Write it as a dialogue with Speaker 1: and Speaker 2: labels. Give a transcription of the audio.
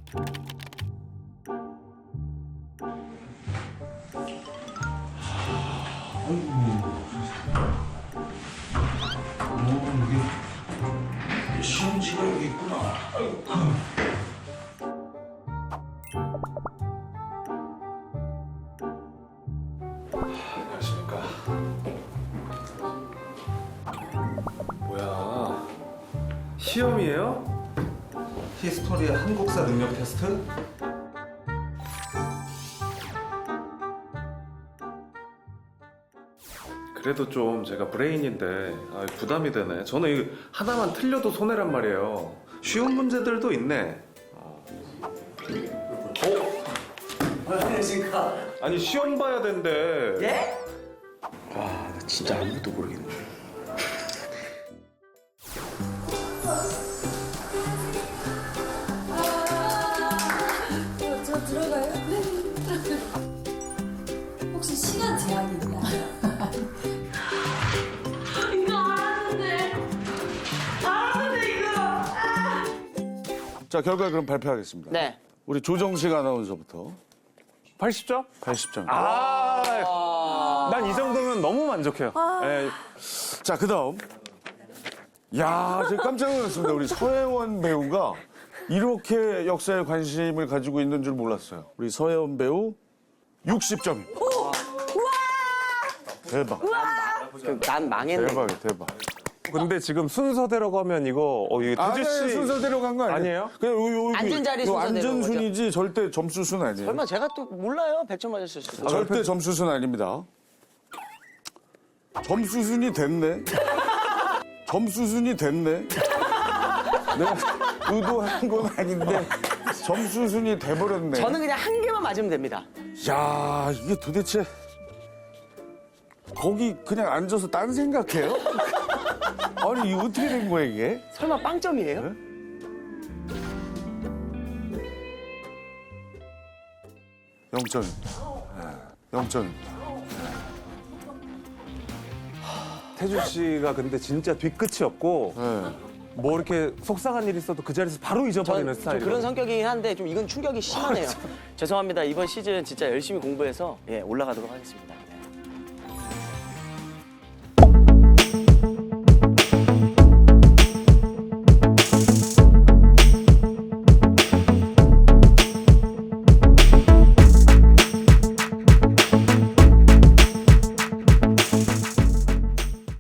Speaker 1: 이게 시험지가 여기 있구나. 아이고. 안녕하십니까.
Speaker 2: 뭐야? 시험이에요?
Speaker 1: 히스토리 한국사 능력 테스트?
Speaker 2: 그래도 좀 제가 브레인인데 부담이 되네. 저는 이거 하나만 틀려도 손해란 말이에요. 쉬운 문제들도 있네.
Speaker 3: 안녕하십니까.
Speaker 2: 아니 시험 봐야 된대.
Speaker 3: 예? 와, 나 진짜 아무것도 모르겠네.
Speaker 4: 저 들어가요? 네. 혹시 시간 제한이 있나요? 이거 알았는데 이거.
Speaker 5: 자, 결과 그럼 발표하겠습니다.
Speaker 3: 네.
Speaker 5: 우리 조정식 아나운서부터
Speaker 2: 80점?
Speaker 5: 80점.
Speaker 2: 난 이 정도면 너무 만족해요. 예.
Speaker 5: 자, 그다음. 야, 제가 깜짝 놀랐습니다. 우리 서혜원 배우가 이렇게 역사에 관심을 가지고 있는 줄 몰랐어요. 우리 서혜원 배우 60점. 대박.
Speaker 3: 난 망했네.
Speaker 5: 대박이야, 대박.
Speaker 2: 근데 지금 순서대로 가면 이거 이거 태주 씨
Speaker 5: 순서대로 간 거 아니에요?
Speaker 2: 아니에요?
Speaker 5: 그냥
Speaker 3: 앉은 자리
Speaker 5: 요
Speaker 3: 순서대로
Speaker 5: 앉은
Speaker 3: 거죠.
Speaker 5: 순이지 절대 점수 순 아니에요.
Speaker 3: 설마 제가 또 몰라요? 100점 맞았을 수도.
Speaker 5: 절대 점수 순 아닙니다. 점수 순이 됐네. 점수 순이 됐네. 내가 의도한 건 아닌데 점수 순이 돼버렸네.
Speaker 3: 저는 그냥 한 개만 맞으면 됩니다.
Speaker 5: 야, 이게 도대체 거기 그냥 앉아서 딴 생각해요? 아니, 이거 어떻게 된 거야, 이게?
Speaker 3: 설마 빵점이에요?
Speaker 5: 네? 0점입니다. 0점입니다.
Speaker 2: 태주 씨가 근데 진짜 뒤끝이었고
Speaker 5: 네.
Speaker 2: 뭐 이렇게 속상한 일 있어도 그 자리에서 바로 잊어버리는
Speaker 3: 좀
Speaker 2: 스타일이에요.
Speaker 3: 그런 성격이긴 한데 좀 이건 충격이 심하네요. 죄송합니다. 이번 시즌 진짜 열심히 공부해서 올라가도록 하겠습니다.